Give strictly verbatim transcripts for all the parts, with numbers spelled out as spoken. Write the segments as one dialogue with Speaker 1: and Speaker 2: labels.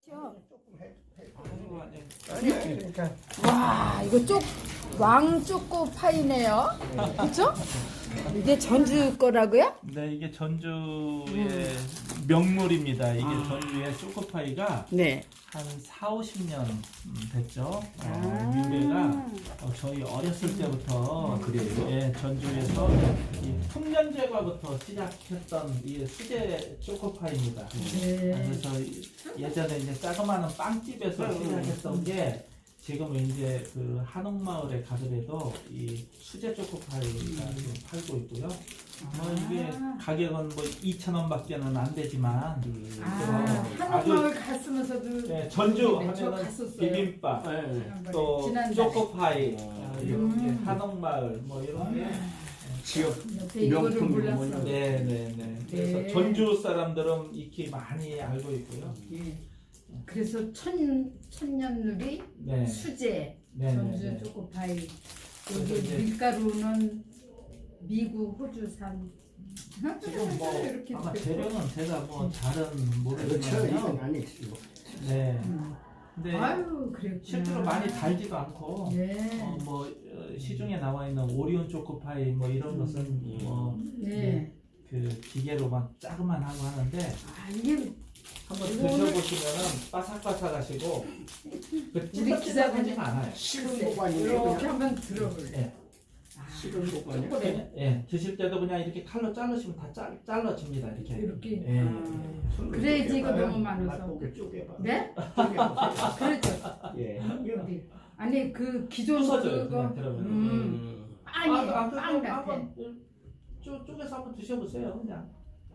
Speaker 1: 아니, 그러니까
Speaker 2: 와, 이거 쪽 왕초코 파이네요. 그렇죠? 이게 전주 거라고요?
Speaker 3: 네, 이게 전주의 명물입니다. 이게 전주의 초코파이가
Speaker 2: 네.
Speaker 3: 한 사, 오십 년 됐죠. 어,
Speaker 2: 아.
Speaker 3: 유래가 어, 저희 어렸을 때부터
Speaker 1: 그래요?
Speaker 3: 예, 전주에서 이 풍년 제과부터 시작했던 이 수제 초코파이입니다.
Speaker 2: 네.
Speaker 3: 그래서 예전에 이제 자그마한 빵집에서 시작했던 게 지금은 이제 그 한옥마을에 가더라도 이 수제 초코파이가 지금 팔고 있고요. 뭐 이게 가격은 뭐 이천 원밖에는 안 되지만
Speaker 2: 아,
Speaker 3: 또
Speaker 2: 한옥마을 갔으면서도
Speaker 3: 네, 전주
Speaker 2: 네, 저
Speaker 3: 하면은
Speaker 2: 갔었어요.
Speaker 3: 비빔밥
Speaker 1: 네.
Speaker 3: 또
Speaker 2: 지난달에.
Speaker 3: 초코파이
Speaker 1: 음.
Speaker 3: 어, 이렇게 한옥마을 뭐 이런 게
Speaker 1: 지역
Speaker 2: 여태 이거를
Speaker 1: 명품
Speaker 2: 몰랐어.
Speaker 3: 네네네. 그래서
Speaker 2: 네.
Speaker 3: 전주 사람들은 익히 많이 알고 있고요.
Speaker 2: 예. 그래서 천 천년누리
Speaker 3: 네.
Speaker 2: 수제
Speaker 3: 네,
Speaker 2: 전주
Speaker 3: 네, 네.
Speaker 2: 초코파이
Speaker 3: 그래서
Speaker 2: 여기
Speaker 3: 이제
Speaker 2: 밀가루는 미국 호주산
Speaker 3: 지금 뭐
Speaker 2: 이렇게
Speaker 3: 아마
Speaker 2: 되고.
Speaker 3: 재료는 제가 뭐 잘은
Speaker 1: 그렇죠.
Speaker 3: 모르겠지만요.
Speaker 1: 이건 아니죠.
Speaker 3: 네.
Speaker 2: 음.
Speaker 3: 근데
Speaker 2: 아유 그랬구나.
Speaker 3: 실제로 많이 달지도 않고
Speaker 2: 네.
Speaker 3: 어, 뭐 어, 시중에 나와 있는 오리온 초코파이 뭐 이런 것은 뭐
Speaker 2: 네.
Speaker 3: 그 기계로만 짜그만 하고 하는데
Speaker 2: 아 이게
Speaker 3: 한번
Speaker 2: 이거는-
Speaker 3: 드셔보시면은 바삭바삭하시고 그
Speaker 2: 우리
Speaker 3: 찐득찐득하지는 않아요.
Speaker 1: 식은
Speaker 2: 이렇게
Speaker 1: 보관이에요.
Speaker 2: 한번 들어볼래.
Speaker 3: 예.
Speaker 2: 아,
Speaker 1: 식은 보관이요.
Speaker 2: 초콜릿.
Speaker 3: 예, 드실 때도 그냥 이렇게 칼로 자르시면 다 잘, 잘라집니다 이렇게.
Speaker 2: 이렇게.
Speaker 3: 예.
Speaker 2: 아, 그래야지 이거 너무 많아서.
Speaker 1: 맛보게 쪼개봐.
Speaker 2: 네?
Speaker 1: 쪼개보세요.
Speaker 2: 그렇죠.
Speaker 1: 예.
Speaker 2: 여기 아니 그 기존
Speaker 3: 부서져요
Speaker 2: 그거
Speaker 3: 그냥 들어가면.
Speaker 2: 음,
Speaker 1: 음.
Speaker 2: 빵이
Speaker 3: 아, 아,
Speaker 2: 빵
Speaker 3: 그,
Speaker 2: 같아.
Speaker 3: 한번 쪼, 쪼개서 한번 드셔보세요 그냥.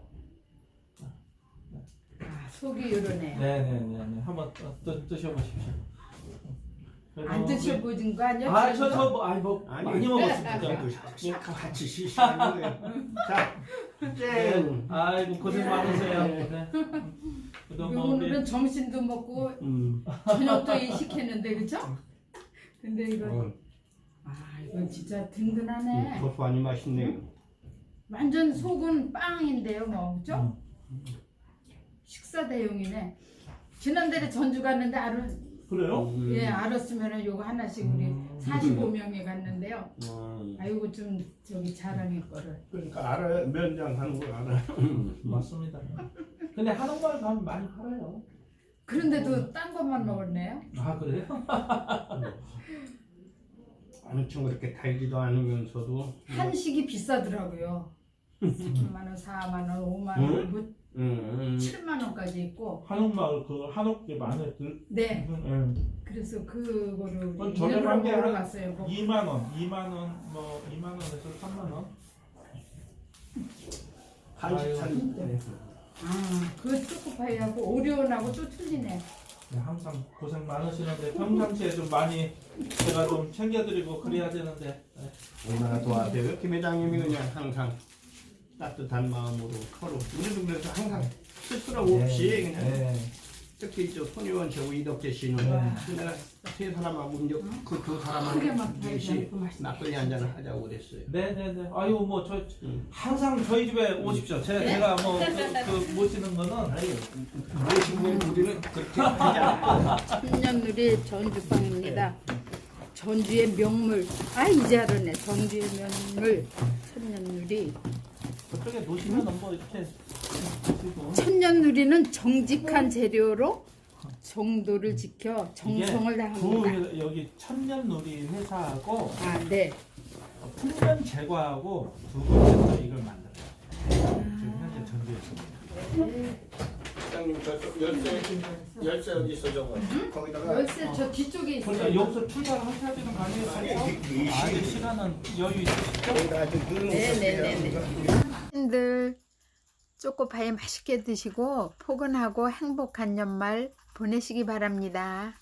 Speaker 2: 아, 속이 요러네요.
Speaker 3: 네네네네. 한번 또, 또 드셔보십시오. 그래도
Speaker 2: 안 드셔보신 거 아니야?
Speaker 3: 아, 저, 저, 뭐, 아이, 뭐,
Speaker 1: 아니,
Speaker 3: 많이 먹었습니다.
Speaker 1: 그래도 같이 시시하는 거예요. 자,
Speaker 3: 네.
Speaker 1: 짠.
Speaker 3: 아이고, 고생 많으세요.
Speaker 1: 네.
Speaker 3: 네. 그동안
Speaker 2: 오늘은
Speaker 3: 우리,
Speaker 2: 점심도 먹고
Speaker 1: 음.
Speaker 2: 저녁도 이 시켰는데 그죠? 근데 이거
Speaker 1: 어,
Speaker 2: 아 이건 진짜 든든하네.
Speaker 1: 고소하니 맛있네요.
Speaker 2: 완전 속은 빵인데요, 뭐 그죠?
Speaker 3: 음.
Speaker 2: 식사 대용이네. 지난달에 전주 갔는데 알을
Speaker 3: 그래요?
Speaker 1: 음.
Speaker 2: 예 알았으면은 요거 하나씩 우리
Speaker 3: 음.
Speaker 2: 사십오 명이 갔는데요.
Speaker 1: 음.
Speaker 2: 아이고 좀 저기 자랑의 거를.
Speaker 1: 그러니까 알아요. 면장 하는 걸 알아요.
Speaker 3: 맞습니다. 근데 한옥마을 가면 많이 팔아요.
Speaker 2: 그런데도 딴 것만 먹었네요.
Speaker 3: 아, 그래요?
Speaker 1: 엄청 그렇게 달지도 않으면서도
Speaker 2: 한식이 비싸더라고요. 삼만 원, 사만 원, 오만 원, 뭐
Speaker 1: 음, 음.
Speaker 2: 칠만 원까지 있고.
Speaker 3: 한옥마을 그 한옥집 안에 들,
Speaker 2: 네.
Speaker 3: 음,
Speaker 2: 그래서 그거를
Speaker 3: 그건
Speaker 2: 우리
Speaker 3: 저렴한
Speaker 2: 일부러
Speaker 3: 게
Speaker 2: 먹으러
Speaker 3: 한
Speaker 2: 갔어요. 뭐.
Speaker 3: 이만 원, 이만 원, 뭐, 이만 원에서 삼만 원.
Speaker 1: 한식 차린 때.
Speaker 2: 아, 그 초코파이하고 오리온하고 또 틀리네.
Speaker 3: 네, 항상 고생 많으시는데 평상시에 좀 많이 제가 좀 챙겨드리고 그래야 되는데 네.
Speaker 1: 얼마나 도와줘요. 김 회장님이 그냥 항상 따뜻한 마음으로 서로 우리도 그래서 항상 스스럼 없이 그냥
Speaker 3: 네.
Speaker 1: 특히 저 손의원 저 이덕재 씨는
Speaker 3: 네.
Speaker 1: 내가 세 사람하고 이제 그 두
Speaker 2: 크게
Speaker 1: 사람하고
Speaker 2: 막
Speaker 1: 넷이
Speaker 2: 달지 않고
Speaker 1: 막걸리 한 잔을 하자고 그랬어요.
Speaker 3: 네네네. 아유 뭐 저
Speaker 1: 음.
Speaker 3: 항상 저희 집에 오십시오. 제가 제가 뭐 그 그 모시는 거는
Speaker 1: 아니 모시고 우리는 그렇게 하지 않고
Speaker 2: 천년누리 전주빵입니다. 전주의 명물. 아 이제 알았네. 전주의 명물 천년누리.
Speaker 3: 그쪽에 놓으시면 뭐 이렇게 드시고
Speaker 2: 천년누리는 정직한 재료로 정도를 지켜 정성을
Speaker 3: 이게
Speaker 2: 다합니다.
Speaker 3: 두 여기 천년놀이 회사하고
Speaker 2: 아 네.
Speaker 3: 풍년 제과하고 두 군데서 이걸 만들어요. 지금 현재 전주에 있습니다.
Speaker 1: 회장님 저 열쇠 열쇠 어디 있어 저거 거기다가
Speaker 2: 열쇠 저 뒤쪽에
Speaker 3: 그러니까
Speaker 2: 있어요.
Speaker 3: 여기서 출발하셔야 되는 거 아니에요?
Speaker 1: 아니, 이- 이
Speaker 3: 아직
Speaker 1: 시-
Speaker 3: 시간은 여유 있으시죠?
Speaker 1: 거기다 아주 넣는
Speaker 2: 네네네네. 들 초코파이 맛있게 드시고 포근하고 행복한 연말 보내시기 바랍니다.